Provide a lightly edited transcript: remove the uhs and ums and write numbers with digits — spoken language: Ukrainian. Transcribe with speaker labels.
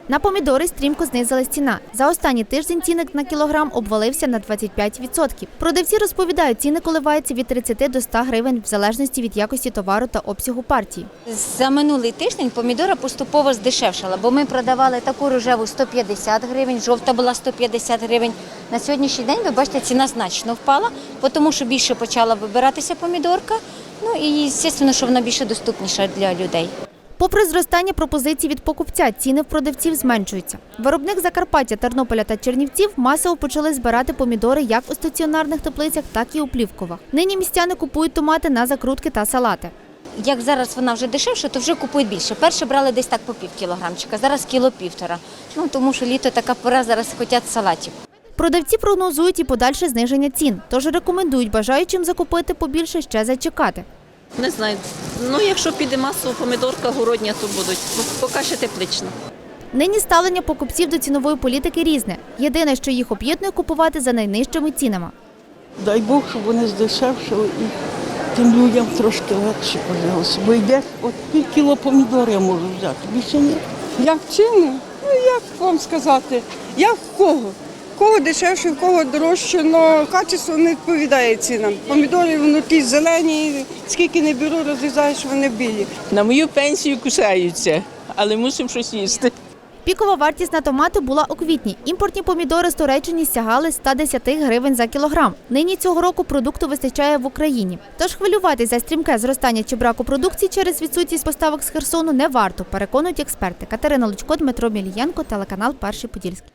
Speaker 1: На помідори стрімко знизилась ціна. За останній тиждень цінник на кілограм обвалився на 25%. Продавці розповідають, ціни коливаються від 30 до 100 гривень в залежності від якості товару та обсягу партії.
Speaker 2: За минулий тиждень помідора поступово здешевшала, бо ми продавали таку рожеву 150 гривень, жовта була 150 гривень. На сьогоднішній день, ви бачите, ціна значно впала, тому що більше почала вибиратися помідорка, і, звісно, що вона більше доступніша для людей.
Speaker 1: Попри зростання пропозицій від покупця, ціни в продавців зменшуються. Виробник Закарпаття, Тернополя та Чернівців масово почали збирати помідори як у стаціонарних теплицях, так і у плівкових. Нині містяни купують томати на закрутки та салати.
Speaker 2: Як зараз вона вже дешевша, то вже купують більше. Перше брали десь так по пів кілограмчика, зараз кіло-півтора. Тому що літо така пора, зараз хочуть салатів.
Speaker 1: Продавці прогнозують і подальше зниження цін, тож рекомендують бажаючим закупити побільше ще зачекати.
Speaker 3: Не знаю. Якщо піде масово помідорка городня, то будуть. Поки ще теплично.
Speaker 1: Нині ставлення покупців до цінової політики різне. Єдине, що їх об'єднує, купувати за найнижчими цінами.
Speaker 4: Дай Бог, щоб вони здешевшили і тим людям трошки легше пожалуйста. Бо йдеш, от пів кіло помідор я можу взяти, більше ні.
Speaker 5: Як ціни? Як вам сказати? Як в кого? В кого дешевше, в кого дорожче, але качество не відповідає цінам. Помідори внутрі зелені, скільки не беру, розрізаєш, вони білі.
Speaker 6: На мою пенсію кусаються, але мусимо щось їсти.
Speaker 1: Пікова вартість на томати була у квітні. Імпортні помідори з Туреччини сягали 110 гривень за кілограм. Нині цього року продукту вистачає в Україні. Тож хвилюватись за стрімке зростання чи браку продукції через відсутність поставок з Херсону не варто, переконують експерти. Катерина Лучко, Дмитро Мілієнко, телеканал «Перший Подільський».